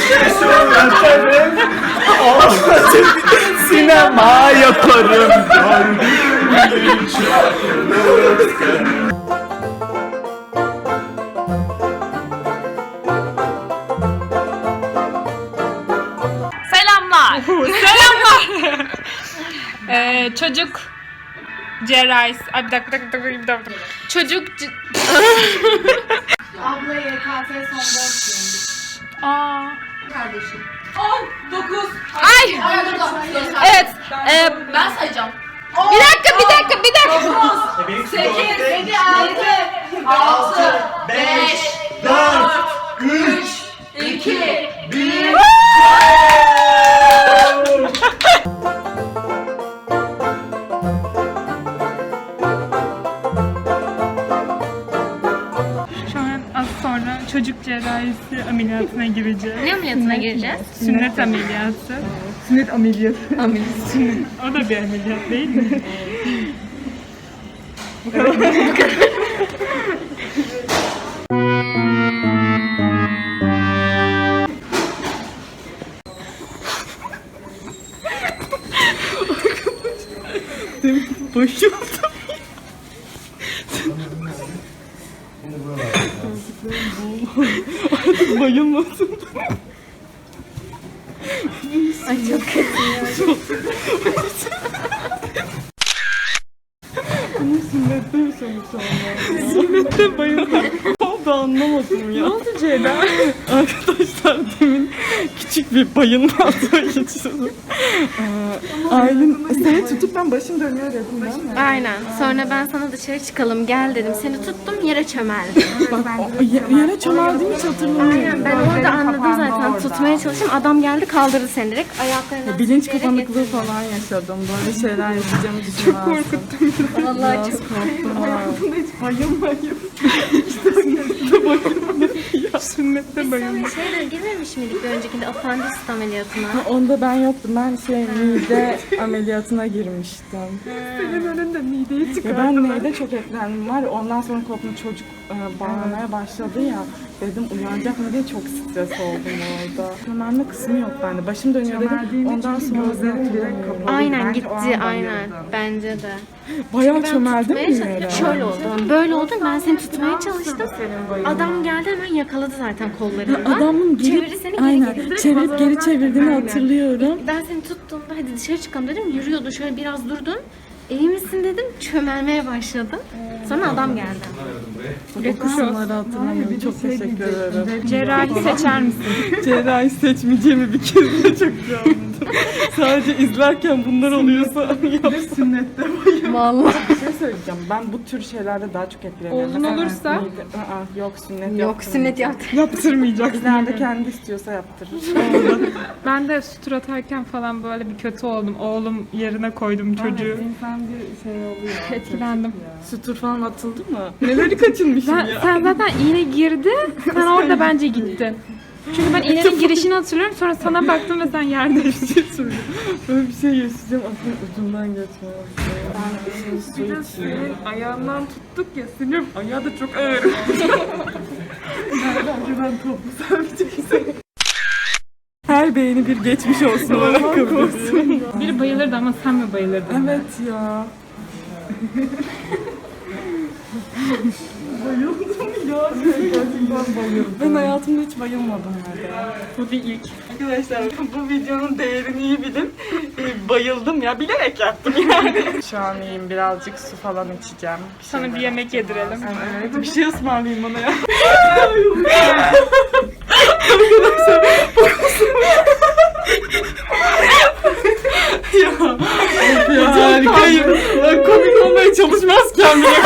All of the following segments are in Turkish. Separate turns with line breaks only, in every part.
Yatarım, ağlatırım, sinema yaparım.
Selamlar. Selamlar. Çocuk cerrahisi. Ay bir dakika. Çocuk
Abla YKS son 4 gün.
Aa.
Kardeşim.
10, 9.
Ay. Evet.
Ben sayacağım.
Bir dakika.
8, 7, 6, 5,
4, 3,
2, 1.
Şu an az sonra çocuk cerrahisi ameliyatına gireceğiz.
Ne ameliyatına gireceğiz?
Sünnet ameliyatı. Sünnet ameliyatı. O da bir ameliyat değil mi?
Bayıldım. Bayılmasın.
Ay çok kötü ya.
Bunu sünnette yaşamış olmalı. Sünnette bayıldım. Da anlamadım ya. Ne oldu Ceyda? Arkadaşlar demin küçük bir bayılmazla geçiyordum. Aylin seni tutup ben başım dönüyor dedim değil mi?
Aynen. Sonra ben sana dışarı çıkalım gel dedim. Seni tuttum yere çömeldim.
Yere çömeldiğimi hiç hatırlamıyorum.
Aynen ben orada anladım zaten. Tutmaya çalıştım. Adam geldi kaldırdı seni direkt. Ayaklarına
Bilinç
sürükleyerek
kapanıklığı
getirdi.
falan yaşadım. Böyle şeyler yaşayacağımı düşünmezdim. Çok korkuttum.
Vallahi çok.
Hayatımda hiç bayılmayayım.
Sünnette bayıldım.
Sen şeylere girmemiş miydik bir öncekinde apandisit ameliyatına?
Onda ben yoktum. Ben mide ameliyatına girmiştim.
Senin önünde mideyi
Ya ben mide çok eklendim var. Ondan sonra kopma çocuk bağırmaya başladı ya. Dedim uyanacak mı diye çok stres oldum orada. Çömelme kısmı yok bende. Başım dönüyor dedim. Ondan sonra direkt kapalı.
Aynen gitti aynen. Bence de.
Bayağı
Ben
çömeldim
tutmaya
mi
çalıştım.
yere?
Şöyle oldu. Böyle oldu. Ben seni tutmaya çalıştım. Adam geldi hemen yakaladı zaten kollarından.
Adamın
çevirdi seni geri
aynen,
getirdi.
çevirip geri çevirdiğini
Aynen.
hatırlıyorum.
Ben seni tuttuğumda hadi dışarı çıkalım dedim. Yürüyordu şöyle biraz durdun. İyi misin dedim. Çömelmeye başladım. Sonra adam geldi.
O kısımları hatırlamıyorum. Çok teşekkür ederim.
Cerrahi seçer misin?
Cerrahi seçmeyeceğimi bir kez de çok iyi anladım. Sadece izlerken bunlar oluyorsa yapsın. Sünnette
Vallahi.
Bir şey söyleyeceğim. Ben bu tür şeylerde daha çok etkileniyorum.
Oğlun
Mesela
olursa?
yok sünnet
Yok sünnet yaptı.
Yaptırmayacaksın.
İleride kendi istiyorsa yaptırır.
Ben de sütür atarken falan böyle bir kötü oldum. Oğlum yerine koydum çocuğu.
İnsan bir şey oluyor.
Etkilendim.
Sütür falan atıldı mı? Neleri kaçınmışım ya.
Sen zaten iğne girdi. Sen orada bence gittin. Çünkü ben iğnenin girişini hatırlıyorum. Sonra sana baktım ve sen yerdeydin.
Böyle bir şey yaşayacağım. Aslında ucundan geçmez. Ben
Bir de senin ayağından tuttuk ya. Senin ayağı da çok ağır.
ben toplu seveceksin. Her beğeni bir geçmiş olsun olarak kabul ediyorum.
Biri bayılırdı ama sen mi bayılırdın?
Evet ya. Bayıldım ya. Gerçekten bayıldım. Ben hayatımda hiç bayılmadım herhalde.
Bu bir ilk.
Arkadaşlar bu videonun değerini iyi bilin. Bayıldım ya. Bilerek yaptım yani. Şu an iyiyim. Birazcık su falan içeceğim.
Sana bir yemek yedirelim.
Evet. Bir şey ısmarlayayım bana ya. Arkadaşlar ya harikayım. Ben komik olmaya çalışmazken bile.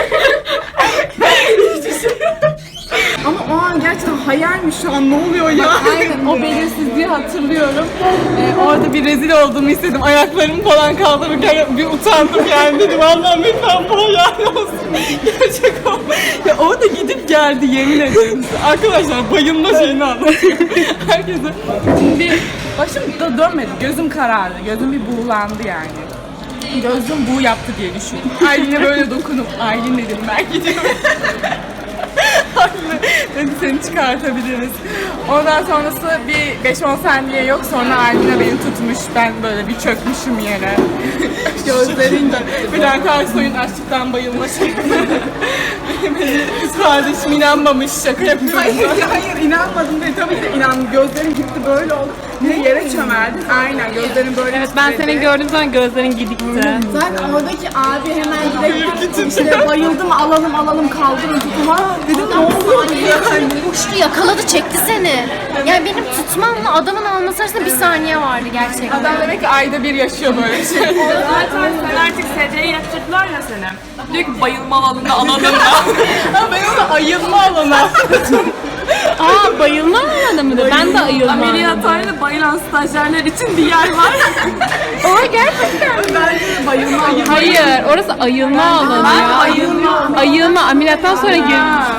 Ama o an gerçekten hayalmiş şu an, ne oluyor ya? Aynen. O belirsizliği hatırlıyorum. Orada bir rezil olduğumu hissettim. Ayaklarımı falan kaldırırken bir utandım yani, dedim Allah'ım lütfen bu hayal olsun. Gerçek o. Ya o da gidip geldi yemin ederim size. Arkadaşlar bayılma şeyini anlatıyorum. Herkese. Şimdi başım da dönmedi. Gözüm karardı. Gözüm bir buğulandı yani. Gözüm buğu yaptı diye düşün. Aylin'e böyle dokunup Aylin dedim ben gidiyorum. Dedi seni çıkartabiliriz. Ondan sonrası bir 5-10 saniye yok. Sonra Almina beni tutmuş. Ben böyle bir çökmüşüm yere. Gözlerinde Bülent Ersoy'un açlıktan bayılma şeklinde. Benim kız kardeşim inanmamış, şaka yapıyorum. Hayır inanmadım dedi. Tabii ki de inandım. Gözlerim gitti böyle oldu. Bir de yere çömeldim. Aynen gözlerim böyle.
Evet, ben seni gördüğüm zaman gözlerin gidikti.
Zaten oradaki abi hemen direkt işte bayıldım, alalım kaldırın tutun. Ha dedim ne oluyor yani?
Uçtu yakaladı çekti seni. Yani benim tutmamla adamın alması arasında bir saniye vardı gerçekten.
Adam demek ki ayda bir yaşıyor böyle şey.
Zaten sen artık SC'ye yatırdılar ya seni. Diyor ki bayılma alanında alanında.
Ha ben onu ayılma alanı.
Aa, bayılma alanı mıdır? Ben de ayılma.
Ameliyathanede bayılan stajyerler için bir yer var.
Aa, gerçekten.
Bence bayılma alanı.
Hayır, orası ayılma alanı ya. Ayılma, ameliyattan sonra gir.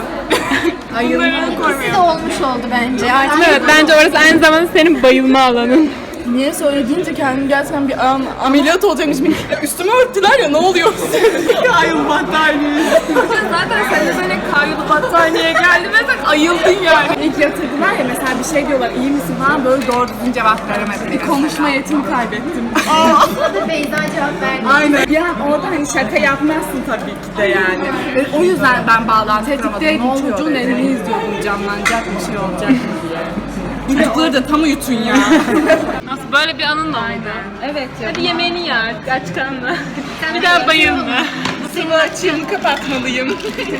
İkisi de olmuş oldu bence. Artık
Evet, bence orası aynı zamanda senin bayılma alanın.
Niye söylediğince kendim gerçekten bir an ameliyat olacakmış. Üstüme örttüler ya ne oluyor? Ayıl battaniye.
Zaten sen de böyle kayyolu battaniyeye geldi ve sen ayıldın yani.
İlk yatırdılar ya mesela bir şey diyorlar iyi misin falan böyle doğru düzgün cevap veremedim. Bir konuşma yetimi kaybettim.
da Beyza cevap verdi.
Aynen. Ya orada hani şaka yapmazsın tabii ki de yani. O yüzden ben bağlantı kuramadım. Ne oluyor çocuğun elini izliyordum canlanacak bir şey olacak mı diye. Çocukları da tam uyutun ya.
Nasıl böyle bir anın da oldu. Evet. Hadi yemeğini ye artık, aç karnına. Bir daha bayılma.
Bu sefer açığımı kapatmalıyım.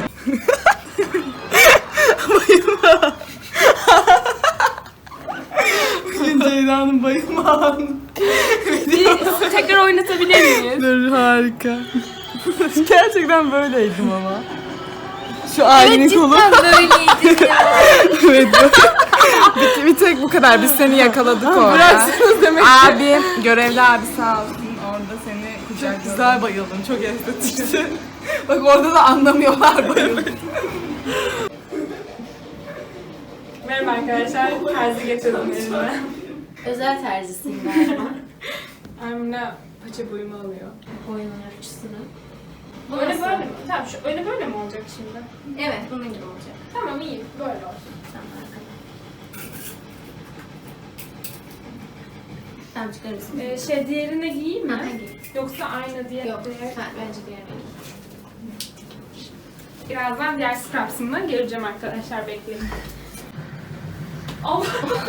Bayılma. Bugün Ceyda'nın bayılma anı.
Tekrar oynatabilir miyiz?
Dur harika. Gerçekten böyleydim ama. Şu ailenin kolu.
Böyleydi ya.
Evet. bir tek bu kadar. Biz seni yakaladık orada. Bıraksınız demek ki. Abi, görevli abi sağ olsun. Orada seni kucak güzel bayıldım. Çok estetikti. Bak orada da anlamıyorlar bayıldım.
Merhaba arkadaşlar, terzi getirdim elime.
Özel terzisin galiba.
Emine paça boyumu alıyor.
Boyunun ölçüsünü.
Öyle böyle mi? Tamam, şu öyle böyle mi olacak şimdi?
Evet bunun gibi olacak.
Tamam, iyi, böyle olsun.
Tamam arkadaşlar. Tamam çıkarırsın.
Diğerine giyeyim mi?
Ha, giy.
Yoksa aynı diye.
Yok bence bir yerde.
Birazdan diğer scraps'ımdan geleceğim arkadaşlar, bekleyin. Allah!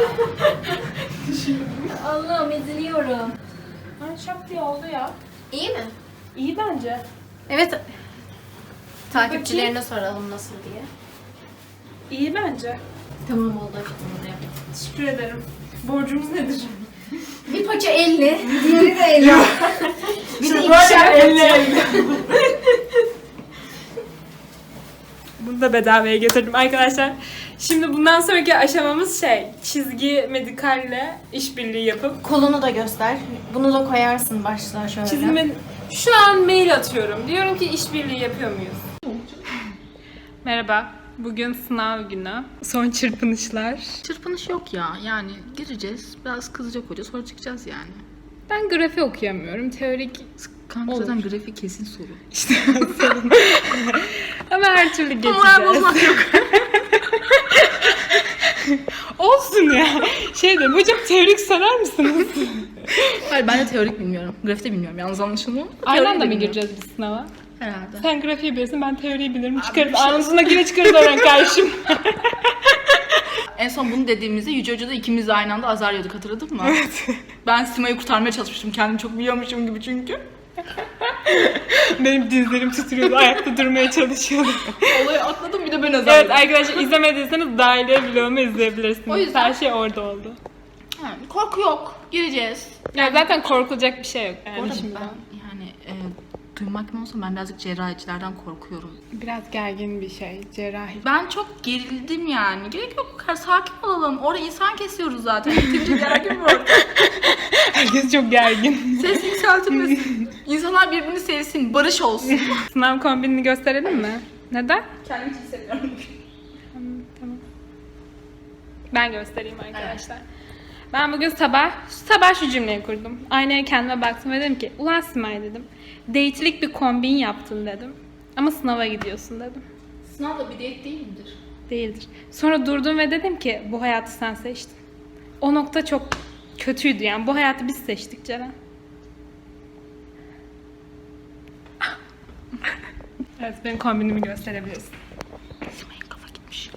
Allah'ım eziliyorum.
Ay, şap diye oldu ya.
İyi mi?
İyi bence.
Evet. Takipçilerine soralım nasıl diye.
İyi bence.
Tamam oldu açıklamada yap.
Teşekkür ederim. Borcumuz nedir?
Bir paça 50, diğeri de 50. Bir de ikişer
50. Bunu da bedavaya getirdim arkadaşlar. Şimdi bundan sonraki aşamamız çizgi medikalle işbirliği yapıp
Kolunu da göster. Bunu da koyarsın başlığa şöyle.
çizimi şu an mail atıyorum. Diyorum ki işbirliği yapıyor muyuz? Merhaba. Bugün sınav günü. Son çırpınışlar.
Çırpınış yok ya. Yani gireceğiz. Biraz kızacak hoca sonra çıkacağız yani.
Ben grafi okuyamıyorum. Teorik
Kanka
olur.
zaten grafik kesin soru.
İşte sorun. Ama her türlü geçeceğiz. Olsun ya. Dedim, hocam teorik sorar mısınız?
Hayır ben de teorik bilmiyorum. Grafik de bilmiyorum. Yalnız anlaşılmıyor.
Aynı anda mı gireceğiz biz sınava?
Herhalde.
Sen grafiği biliyorsun, ben teoriyi bilirim. Çıkarız, ağzındakine çıkarız oradan karşım.
En son bunu dediğimizde Yüce Hoca da ikimiz de aynı anda azar yiyorduk, hatırladın mı? Evet. Ben Sima'yı kurtarmaya çalışmıştım. Kendimi çok biliyormuşum gibi çünkü.
Benim dizlerim titriyordu, ayakta durmaya çalışıyordum.
Olayı atladım bir de ben azar
Evet
yedim.
arkadaşlar, izlemediyseniz dahiliye vlogumu izleyebilirsiniz.
O yüzden-
Her şey orada oldu.
Yani korku yok. Gireceğiz.
Ya zaten korkulacak bir şey yok
Bu
yani
arada
şimdi.
ben yani duymak mı olsa ben birazcık cerrahicilerden korkuyorum.
Biraz gergin bir şey, cerrahi.
Ben çok gerildim yani. Gerek yok bu kadar sakin olalım. Orada insan kesiyoruz zaten. Yeterince gergin var.
Herkes çok gergin.
Ses yükseltilmesin. İnsanlar birbirini sevsin. Barış olsun.
Sınav kombinini gösterelim mi? Neden?
Kendimi çok seviyorum.
Tamam. Ben göstereyim arkadaşlar. Ben bugün sabah şu cümleyi kurdum. Aynaya kendime baktım ve dedim ki, ulan Simay dedim. Date'lik bir kombin yaptın dedim. Ama sınava gidiyorsun dedim.
Sınav da bir date değil midir?
Değildir. Sonra durdum ve dedim ki bu hayatı sen seçtin. O nokta çok kötüydü yani. Bu hayatı biz seçtik Ceren. Evet, benim kombinimi gösterebilirsin.
Kafa gitmiş.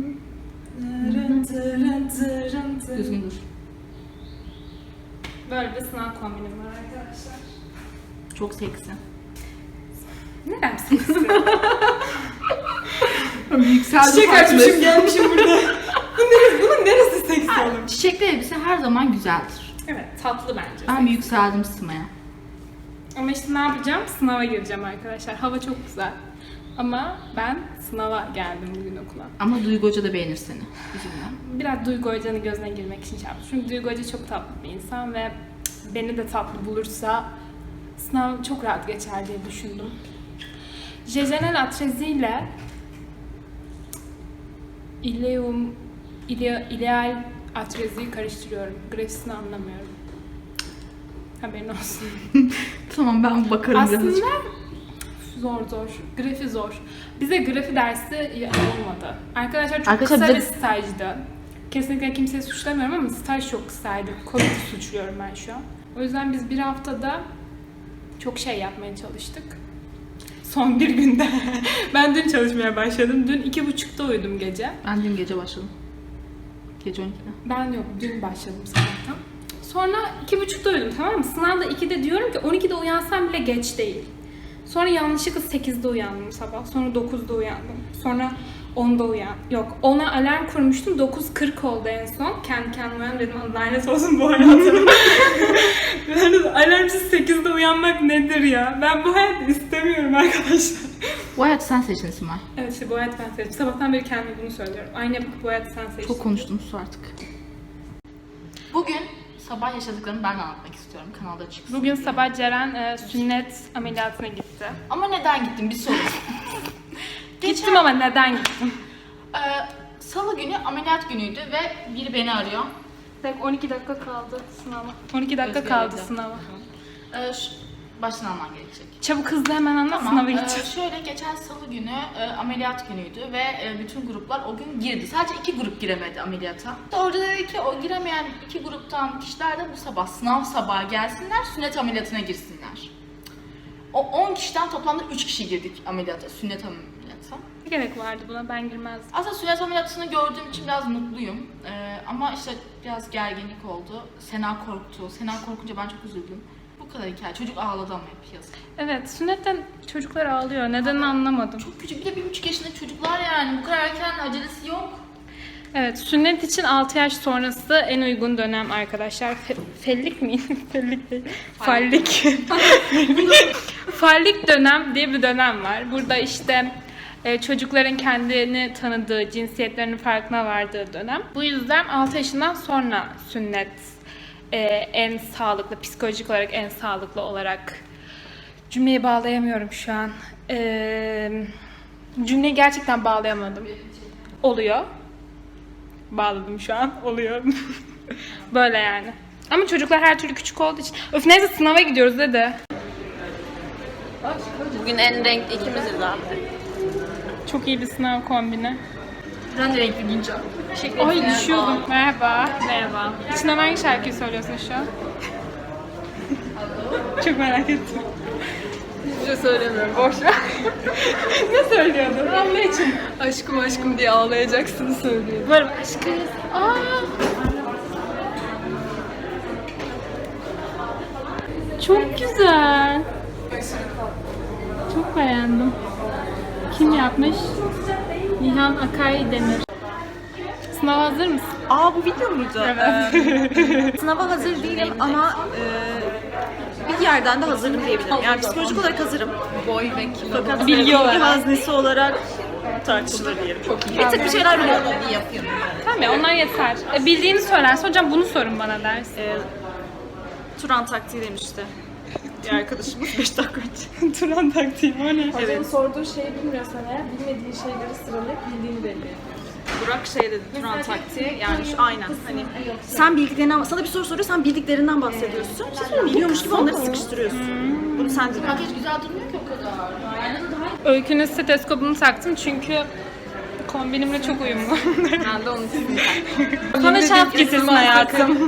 Düzgün dur.
Böyle bir sınav kombinim var arkadaşlar.
Çok seksi.
Neden seksi?
Yükseldi
Açmışım gelmişim burada. Bunun neresi seksi olur?
Çiçekli elbise her zaman güzeldir.
Evet, tatlı bence.
Ben bir yükseldim Sıma'ya.
Ama işte ne yapacağım? Sınava gireceğim arkadaşlar. Hava çok güzel. Ama ben sınava geldim bugün okula.
Ama Duygu Hoca da beğenir seni. Üzülme.
Biraz Duygu Hoca'nın gözüne girmek için şey yaptım. Çünkü Duygu Hoca çok tatlı bir insan ve beni de tatlı bulursa sınav çok rahat geçer diye düşündüm. Jejenel atrezi ile ileal atreziyi karıştırıyorum. Grafisini anlamıyorum. Haberin olsun.
Tamam ben bakarım
Aslında
birazcık.
zor. Grafi zor. Bize grafi dersi olmadı. Arkadaşlar çok
Arkadaşlar
kısa
bize-
bir stajdı. Kesinlikle kimseyi suçlamıyorum ama staj çok kısaydı. Covid'i suçluyorum ben şu an. O yüzden biz bir haftada çok şey yapmaya çalıştık. Son bir günde. Ben dün çalışmaya başladım. Dün 2.30'da uyudum gece.
Ben dün gece başladım. Gece 12'de.
Ben yok, dün başladım sabahtan. Sonra 2.30'da uyudum, tamam mı? Sınavda 2'de diyorum ki 12'de uyansam bile geç değil. Sonra yanlışlıkla 8'de uyandım sabah. Sonra 9'da uyandım. Sonra 10'da Yok, 10'a alarm kurmuştum. 9.40 oldu en son. Kendi kendime uyandım, dedim lanet olsun bu hayatım. Alarmsız 8'de uyanmak nedir ya? Ben bu hayatı istemiyorum arkadaşlar.
Bu hayatı sen seçtin Simay.
Evet, işte bu hayatı ben seçtim. Sabahtan beri kendime bunu söylüyorum. Aynı yapıp bu hayatı sen seçtin.
Çok konuştum, sus artık. Bugün sabah yaşadıklarımı ben anlatmak istiyorum. Kanalda çıksın.
Bugün sabah Ceren sünnet ameliyatına gitti.
Ama neden gittim bir soru.
Gittim ama neden gittim?
Salı günü ameliyat günüydü ve biri beni arıyor.
12 dakika kaldı sınava. 12 dakika
Özgür
kaldı
evde.
sınava.
Baştan alman gerekecek.
Çabuk hızlı hemen anlat, sınava gideceğiz.
Şöyle geçen salı günü ameliyat günüydü ve bütün gruplar o gün girdi. Sadece 2 grup giremedi ameliyata. Orada dedi ki o giremeyen 2 gruptan kişiler de bu sabah sınav sabahı gelsinler, sünnet ameliyatına girsinler. O 10 kişiden toplamda 3 kişi girdik ameliyata, sünnet ameliyata.
Ne gerek vardı buna, ben girmezdim.
Aslında sünnet ameliyatını gördüğüm için biraz mutluyum. Ama işte biraz gerginlik oldu. Sena korktu. Sena korkunca ben çok üzüldüm. Bu kadar hikaye. Çocuk ağladı ama hep yazık.
Evet, sünnetten çocuklar ağlıyor. Nedenini anlamadım.
Çok küçük. Bir de 1,5 yaşında çocuklar yani. Bu kadar erken acelesi yok.
Evet, sünnet için 6 yaş sonrası en uygun dönem arkadaşlar. Fellik mi? Fellik değil. Fallik. Fallik dönem diye bir dönem var. Burada işte çocukların kendini tanıdığı, cinsiyetlerinin farkına vardığı dönem. Bu yüzden 6 yaşından sonra sünnet en sağlıklı, psikolojik olarak en sağlıklı olarak, cümleyi bağlayamıyorum şu an. Cümleyi gerçekten bağlayamadım. Oluyor. Bağladım şu an. Oluyor. Böyle yani. Ama çocuklar her türlü küçük olduğu için. Öf, neyse sınava gidiyoruz dedi.
Bugün en renkli ikimiziz zaten.
Çok iyi bir sınav kombini.
Ben de renkli giyeceğim.
Ay düşüyordum. Merhaba. Merhaba. İçinden hangi şarkıyı söylüyorsun şu an? Çok merak ettim.
Hiçbir şey söylemiyorum. Boş ver.
Ne söylüyordun? Allah için.
Aşkım aşkım diye ağlayacaksın söylüyor.
Böyle aşkım. Aa. Çok güzel. Çok beğendim. Kim yapmış? Nihan Akay Demir. Sınava hazır mısın?
Aa bu video muydu? Evet. Sınava hazır değilim ama bir yerden de hazırım diyebilirim. Yani psikolojik olarak hazırım. Boy ve kilo. Fakat
Bilgi olarak.
haznesi olarak tartışılır diyelim. Çok iyi. Bir tık bir şeyler biliyorum. İyi yapıyorum.
Tamam ya, onlar yeter. Bildiğini söylerse hocam bunu sorun bana dersin.
Turan taktiği demişti. Bir arkadaşımız 5 dakika önce.
Turan taktiği o ne?
Evet.
Sorduğu şeyi bilmiyorsan eğer bilmediği şeyleri sıralayıp bildiğini belli ediyor.
Burak şey dedi, Turan taktiği yani şu aynen hani sen bildiklerinden, sana bir soru soruyor, sen bildiklerinden bahsediyorsun. Biliyormuş gibi onları sıkıştırıyorsun. Bunu sen dedin.
Makyaj güzel durmuyor ki o kadar.
Öykünün steteskopunu taktım çünkü Kombinimle çok uyumlu.
Ben de onun için.
Bana şans getirsin hayatım.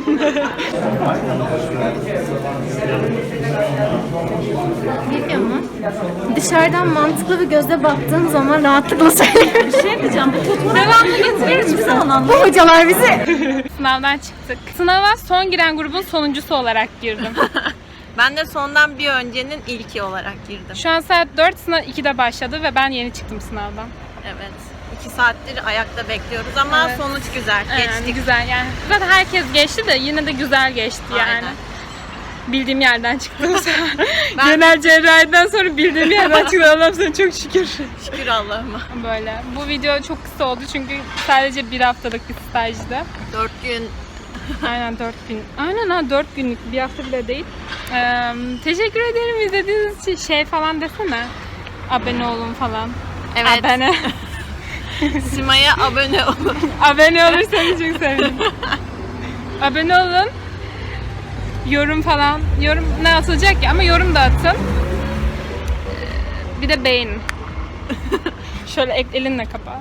Biliyor musun? Dışarıdan mantıklı bir gözle baktığın zaman rahatlıkla söyleyebilirim. Bir şey diyeceğim. Bu fotoğrafı
Devamlı getirir misin?
bu hocalar bizi.
Sınavdan çıktık. Sınava son giren grubun sonuncusu olarak girdim.
Ben de sondan bir öncenin ilki olarak girdim.
Şu an saat 4, sınav 2'de başladı ve ben yeni çıktım sınavdan.
Evet. 2 saattir ayakta bekliyoruz ama
Evet.
sonuç güzel.
Yani
Geçtik.
güzel yani. Zaten herkes geçti de yine de güzel geçti yani.
Aynen.
Bildiğim yerden çıktım. Genel cerrahiden sonra bildiğim yerden çıktım. Allah'ım sana çok şükür.
Şükür Allah'ıma.
Böyle. Bu video çok kısa oldu çünkü sadece bir haftalık bir stajdı.
4 gün
Aynen 4 gün. Aynen ha 4 günlük bir hafta bile değil. Teşekkür ederim izlediğiniz için. Şey falan desene. Abone olun falan.
Evet.
Abone.
Sima'ya abone olun.
Abone olursanız çok sevinirim. Abone olun. Yorum falan. Yorum ne atılacak ya ama yorum da atın. Bir de beğenin. Şöyle elinle kapa.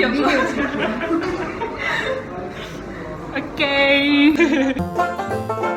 Video. Okay.